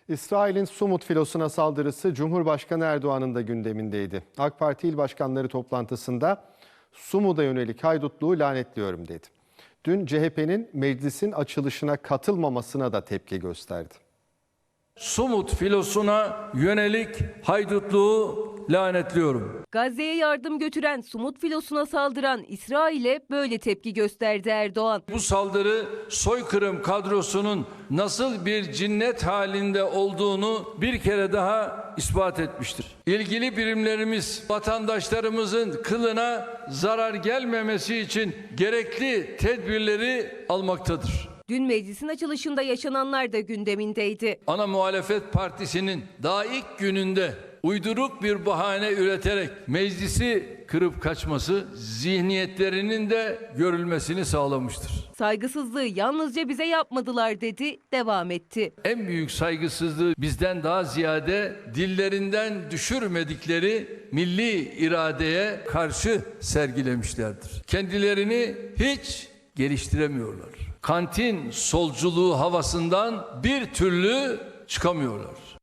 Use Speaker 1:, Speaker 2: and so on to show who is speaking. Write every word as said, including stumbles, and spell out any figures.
Speaker 1: İsrail'in Sumut filosuna saldırısı Cumhurbaşkanı Erdoğan'ın da gündemindeydi. AK Parti il başkanları toplantısında Sumut'a yönelik haydutluğu lanetliyorum dedi. Dün C H P'nin meclisin açılışına katılmamasına da tepki gösterdi.
Speaker 2: Sumut filosuna yönelik haydutluğu lanetliyorum.
Speaker 3: Gazze'ye yardım götüren Sumut filosuna saldıran İsrail'e böyle tepki gösterdi Erdoğan.
Speaker 2: Bu saldırı soykırım kadrosunun nasıl bir cinnet halinde olduğunu bir kere daha ispat etmiştir. İlgili birimlerimiz vatandaşlarımızın kılına zarar gelmemesi için gerekli tedbirleri almaktadır.
Speaker 3: Dün meclisin açılışında yaşananlar da gündemindeydi.
Speaker 2: Ana muhalefet partisinin daha ilk gününde uyduruk bir bahane üreterek meclisi kırıp kaçması zihniyetlerinin de görülmesini sağlamıştır.
Speaker 3: Saygısızlığı yalnızca bize yapmadılar dedi, devam etti.
Speaker 2: En büyük saygısızlığı bizden daha ziyade dillerinden düşürmedikleri milli iradeye karşı sergilemişlerdir. Kendilerini hiç geliştiremiyorlar. Kantin solculuğu havasından bir türlü çıkamıyorlar.